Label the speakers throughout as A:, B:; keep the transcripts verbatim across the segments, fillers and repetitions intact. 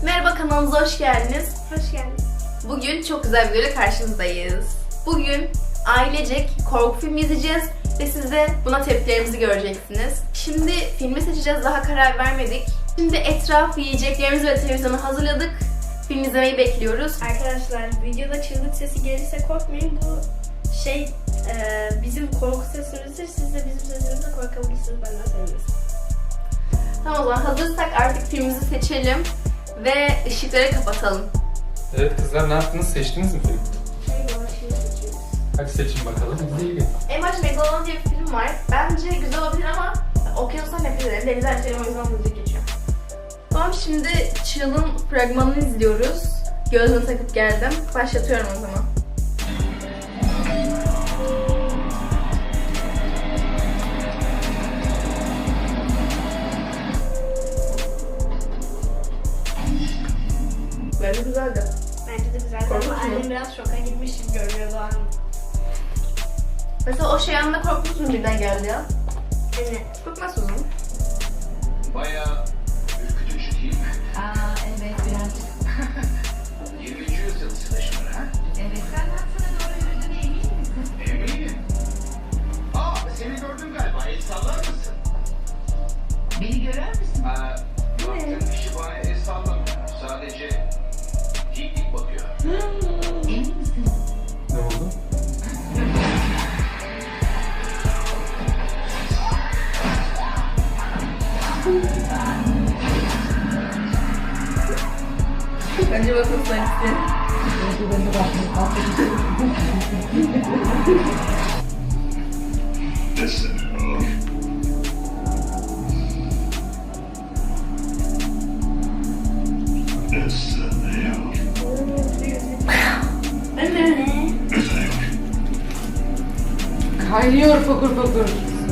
A: Merhaba, kanalımıza hoş geldiniz.
B: Hoş geldiniz.
A: Bugün çok güzel bir videoyla karşınızdayız. Bugün ailecek korku filmi izleyeceğiz ve siz de buna tepkilerimizi göreceksiniz. Şimdi filmi seçeceğiz, daha karar vermedik. Şimdi etraf, yiyeceklerimizi ve televizyonu hazırladık. Film izlemeyi bekliyoruz.
B: Arkadaşlar videoda çığlık sesi gelirse korkmayın. Bu şey e, bizim korku sesimizdir. Siz de bizim sesimizle korkabilirsiniz. Benden sevinirim.
A: Tamam, o zaman hazırsak artık filmimizi seçelim ve ışıkları kapatalım.
C: Evet kızlar, ne yaptınız? Seçtiniz mi film?
B: Şey var, şimdi seçiyoruz.
C: Hadi seçin bakalım. İzleyelim.
A: En baş Megalon diye bir film var. Bence güzel olabilir ama okyanustan nefret ederim. Denizden içerim, o yüzden müzik geçiyor. Tamam, şimdi Çığlık'ın fragmanını izliyoruz. Gözlüğümü takıp geldim. Başlatıyorum o zaman. Bence güzeldi.
B: Bence de güzel.
A: Korkunç
B: Ama
A: mu?
B: annem biraz şoka girmiş gibi görünüyor Doğan.
A: Mesela o şey anında korkmuşsun, birden geldi ya.
B: Evet.
A: Korkmazsın.
D: Bayağı ürkütücü değil mi?
E: Aa evet birazcık.
D: yirminci yüzyıl slasher ha?
E: Evet senden sana doğru yürüdüğüne emin misin?
D: Eminim. Aa, seni gördüm galiba. El sallar mısın?
E: Beni görür müsün?
D: Aa, baktığın kişi bana el sallamıyor. Sadece dik dik bakıyor.
E: Emin misin?
C: Ne oldu?
A: Bence bakın sen.
D: Listen.
F: Kaynıyor fokur fokur.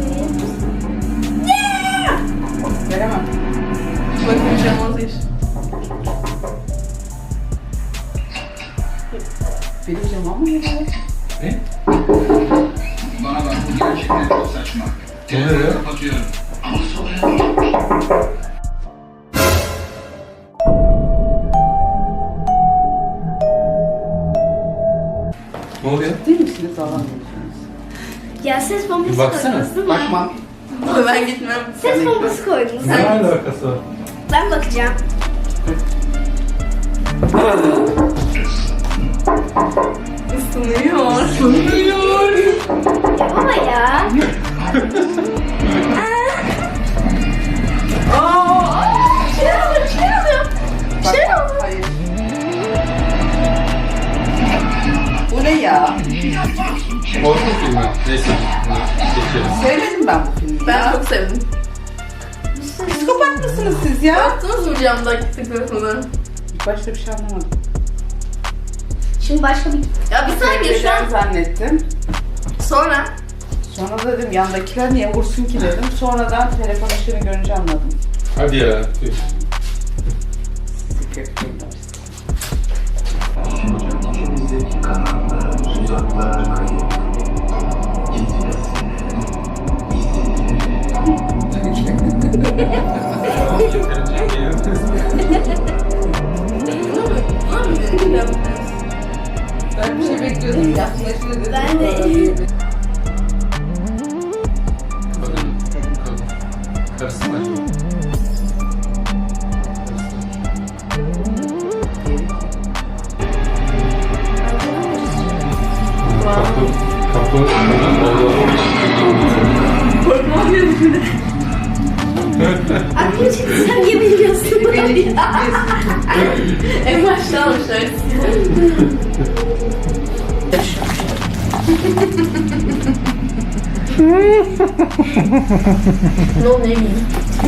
F: Veremem.
A: Bakın camaz iş.
F: Benim camam mı ya?
C: Ne?
D: Bana bak, bu gerçekten çok saçma.
C: Ne oluyor ya?
D: Kapatıyorum. Ama sonra
C: Ne oluyor?
F: Değil misiniz falan diyorsunuz?
B: Ya ses bombası
C: Bir baksana.
B: koydunuz değil mi?
F: Bakmam.
A: Ben gitmem.
B: Ses bombası koydunuz.
C: Ne alakası var?
B: Ben bakacağım.
A: Isınıyor.
F: Isınıyor.
B: Ya baba ya.
F: Aa!
A: Şey oluyor, şey oluyor.
F: Bak, bak, hayır. Bu ne ya?
C: Korku filmi. Neyse. Geçelim.
F: Sevmedim ben bu filmi
A: Ben
F: ya.
A: çok sevdim.
F: Psikopat mısınız siz ya?
A: Yaptınız mı camdaki tıklasını?
F: İlk başta bir şey anlamadım.
B: Şimdi başka bir...
A: Ya bir saniye, şu an
F: Sevmeden zannettim.
A: sonra
F: Sonra dedim yandakiler niye vursun ki dedim. Sonradan telefon ışığını görünce anladım.
C: Hadi ya. Tüh.
D: İçimizdeki kanatlar, uzaklar kayıp.
C: Tamam, yeterince iyi.
F: Ben bir şey bekliyordum. Yaklaştı dedim.
B: Ben de.
C: Kadın. Kadın. Karısı mı acaba? Kapı. Kapı.
A: korkmam gerekiyor.
B: Aklım çıktı, sen niye biliyorsun?
A: En başta almışlar. Ne oldu, ne bileyim.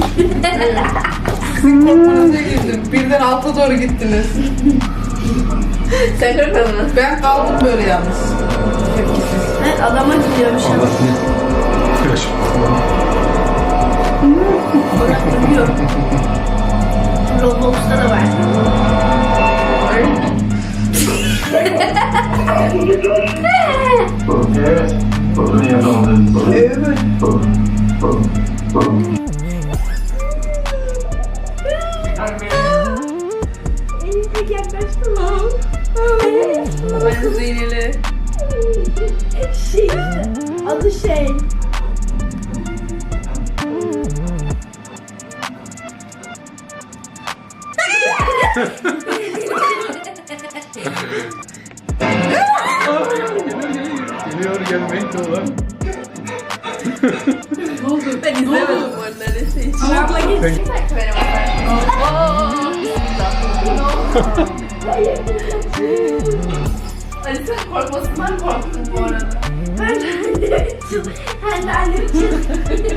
F: Sizin korkmanuza girdim. Birden alta doğru gittiniz.
A: Sen korkmadın mı?
F: Ben kaldım böyle yalnız. Tepkisiz.
B: Evet, adama gidiyormuş.
A: Bıraktırıyor.
B: Roblox'ta da var.
D: Evet. Bunu yapalım.
F: Evet.
A: Ben Zeynel'i.
B: Şey işte. Adı şey.
C: Geliyor gelmekte olan.
A: Ben izlemedim bu arada öyle şey.
B: Abla git.
A: Bir dakika benim Ali sen korkmasından korktun bu arada.
B: Ben de Ben de annem için.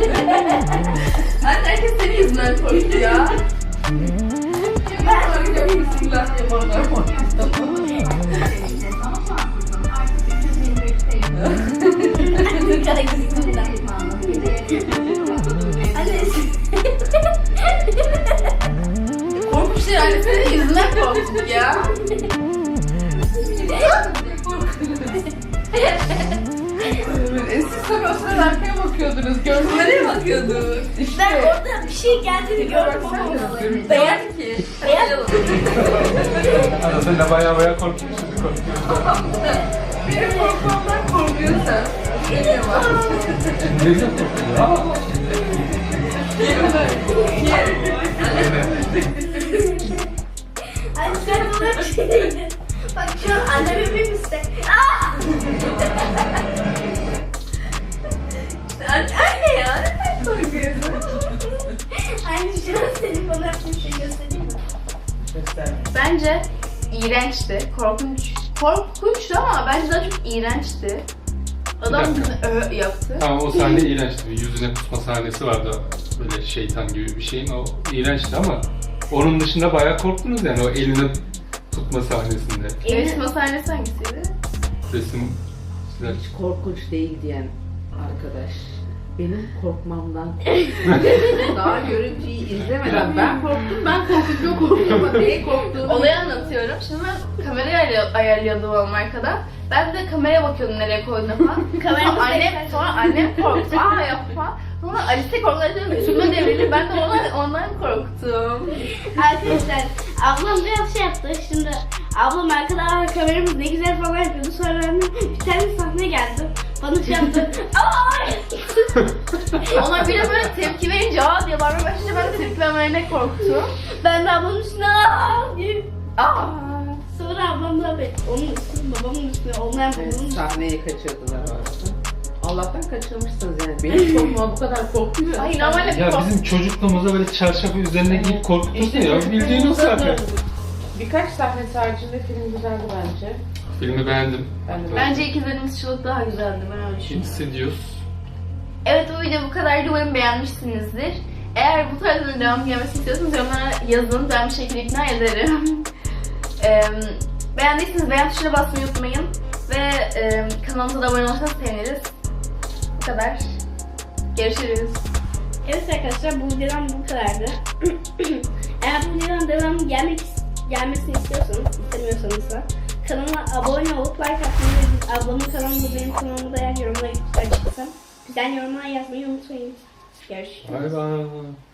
A: Anne herkes senin yüzünden korktu ya. Ben sana gidiyorum bismillah diye bana korkmuş ya anne senin yüzünden korktuk ya.
F: Siz tabii o sırada arkaya bakıyordunuz. Gördünüz.
A: Nereye bakıyordun?
B: Ben orada bir şey geldiğini gördüm ama
A: Beyaz ki.
B: Beyaz.
C: Arada sen de baya baya korkuyorsun. Şimdi korkuyorsun.
A: Benim korkmamdan korkuyorsan. Geliyor bak.
C: Ne güzel korkuyorsun.
B: Ay sen bana bir şey dedin. Bak şu an anneme bir mistek. Aa!
A: Anne ya neden korkuyorsun?
B: Anne şu an senin bana bir şey göstereyim mi?
F: Göster.
A: Bence iğrençti. Korkunç. Korkunçtu ama bence daha çok iğrençti. Adam
C: Bir dakika.
A: bizi ö yaptı.
C: Tamam o sahne iğrençti. Bir yüzüne kusma sahnesi vardı. Böyle şeytan gibi bir şeyin. O iğrençti ama onun dışında bayağı korktunuz yani o elini tutma sahnesinde.
A: Yarışma sahnesi hangisiydi?
C: Resim güzel.
F: Hiç korkunç değil diyen arkadaş. Benim korkmamdan daha görüntüyü izlemeden ben korktum, ben korkunca korktum ama neye korktuğunu
A: Olayı anlatıyorum. Şimdi ben kamerayı ayarlı- ayarlıyordum oğlum arkada. Ben de kameraya bakıyordum nereye koyduğuna falan.
B: Kameramız
A: sonra annem,
B: bekler.
A: sonra annem korktu. Aa yapma. Sonra Alice korktu. Üstüme devrildi. Ben de ona, ondan korktum.
B: Arkadaşlar ablam biraz şey yaptı. Şimdi ablam arkadan kameramız ne güzel falan yapıyordu. Sonra annem bir tane sahne geldi. Bana şey yaptı. Ay!
A: Ona bile böyle tepki verince aa diye bağırmaya başlayınca ben de tepki vermeyene korktum.
B: Ben de ablamın üstüne aa diye.
A: Aa.
B: Sonra ablam da be- onun üstüne babamın üstüne olmayan babamın üstüne.
F: sahneyi kaçırdılar orada. Allah'tan kaçırmışsınız yani. Benim korkmama bu kadar korkmuyor.
A: Ay normalde
C: Ya
A: kork-
C: bizim çocukluğumuzda böyle çarşafı üzerine giyip korkuturdu ya. Bildiğin o zaten.
F: Birkaç sahnesi haricinde film güzeldi bence.
C: Filmi beğendim.
F: Ben de
A: Bence ikizlerimiz çığlık daha güzeldi. Ben öyle
C: Ne
A: düşünüyorum.
C: hissediyoruz?
A: Evet bu video bu kadardı. Umarım beğenmişsinizdir. Eğer bu tarzın devam gelmesini istiyorsanız yorumlara yazın. Ben bir şekilde ikna ederim. Eee, beğendiyseniz beğen tuşuna basmayı unutmayın. Ve eee kanalımıza da abone olursanız seviniriz. Bu kadar. Görüşürüz.
B: Evet arkadaşlar bu videodan bu kadardı. Eğer bu videodan devam gelmek gelmesini istiyorsanız, istemiyorsanız da kanalıma abone olup like atmayı ve biz ablamın kanalında benim kanalımda eğer yorumlara açıksam güzel yorumlar yazmayı unutmayın. Görüşürüz.
C: Bay bay.